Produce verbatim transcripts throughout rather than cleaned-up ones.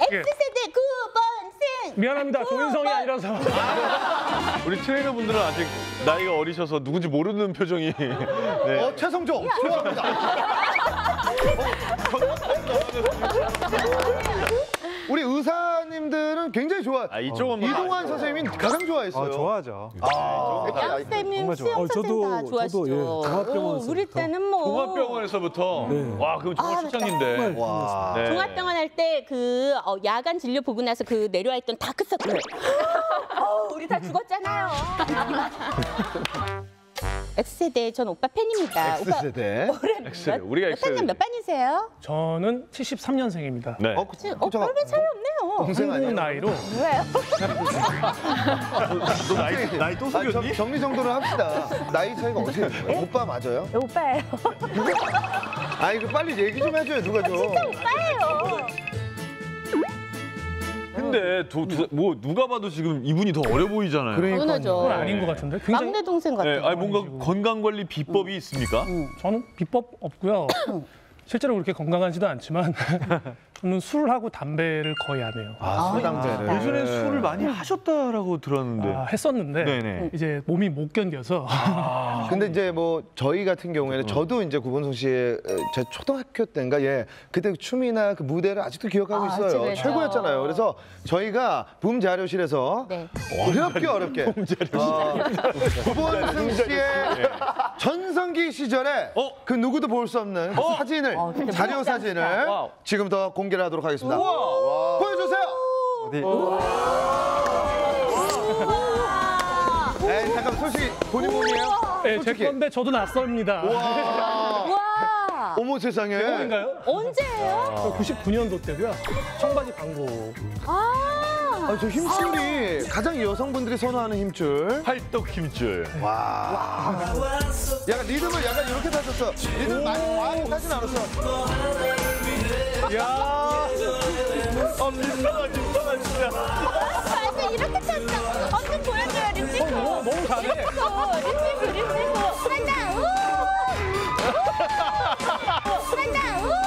X세대 구 번생. 미안합니다. 조인성이 아니라서. 우리 트레이너분들은 아직 나이가 어리셔서 누군지 모르는 표정이. 네. 어, 최성조 좋아합니다. 우리 의사님들은 굉장히 좋아. 아, 이쪽은 뭐 이동환 선생님이 가장 좋아했어요. 아, 좋아하죠. 양쌤님 수영 어, 선생 저도- 다 좋아하시죠. 저도, 예, 종합병원에서부터. 우리 때는 뭐 종합병원에서부터. 네. 와, 그럼 정말 아, 출장인데. 와. 네. 종합병원 할 때 그 어, 야간 진료 보고 나서 그 내려와 있던 다크서클. 어, 우리 다 죽었잖아요. X세대 전 오빠 팬입니다. X세대. 오빠 올해 X세대. 몇, 우리가 몇 학년 X세대. 몇 반이세요? 저는 칠십삼 년생입니다. 네. 어, 그, 어, 잠깐. 별로 차이 없네요. 동생 아니야? 한국 나이로 왜요? 너 나이, 나이 또 아니, 정- 속였니? 정리정돈을 합시다. 나이 차이가 어떻게 돼요? 오빠 맞아요? 오빠예요. 아 이거 빨리 얘기 좀 해줘요 누가 좀. 오빠예요. 근데 도, 도, 뭐 누가 봐도 지금 이분이 더 어려 보이잖아요. 당연하죠. 그건 아닌 것 같은데. 굉장히 막내 동생 네, 같아요. 아니 뭔가 건강 관리 비법이 있습니까? 저는 비법 없고요. 실제로 그렇게 건강하지도 않지만 저는 술하고 담배를 거의 안 해요. 아, 술담배를. 예전에 술을 많이 하셨다라고 들었는데. 아, 했었는데 네네. 이제 몸이 못 견뎌서 근데 이제 뭐 저희 같은 경우에는 저도 이제 구본성 씨의 제 초등학교 때인가 예 그때 춤이나 그 무대를 아직도 기억하고 아, 있어요. 그렇죠. 최고였잖아요. 그래서 저희가 붐 자료실에서 네. 어렵게 어렵게 어, 구본성 씨의 전성기 시절에 어? 그 누구도 볼 수 없는 그 사진을 어, 근데 자료 무섭지 사진을 않다. 지금부터 공개를 하도록 하겠습니다. 보여주세요. 어디? 에이 잠깐 솔직히 본인 몸이에요? 네, 제 솔직히. 건데 저도 낯섭니다. 와. 와. 어머 세상에. 인가요? 언제예요? 구십구 년도 때고요. 청바지 광고. 아. 아, 저 힘줄이 가장 여성분들이 선호하는 힘줄. 팔떡 힘줄. 와. 약간 리듬을 약간 이렇게 타셨어. 리듬 많이 많이 타진 않았어. 야, 어, 민망하, 민망하, 진짜. 맞아, 이렇게 탔어. 언제 보여줘요, 립싱크. 어, 너무 잘해. 립싱크, 립싱크, 립싱크. 한다, 우! 우! 한다, 우!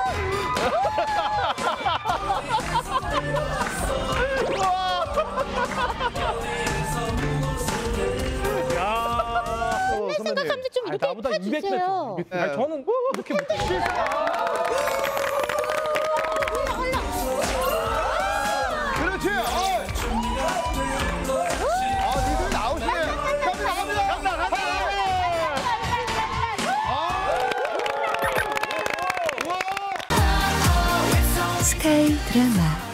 야. 어, 선배님. 생각하면 좀 아, 이렇게 나보다 이백 배. 타주세요. 아니, 저는 이렇게 못해요. 그렇지. 어. 아, 리듬 나오시네. 갑니다, 갑니다. 간다, 간다. 스카이 드라마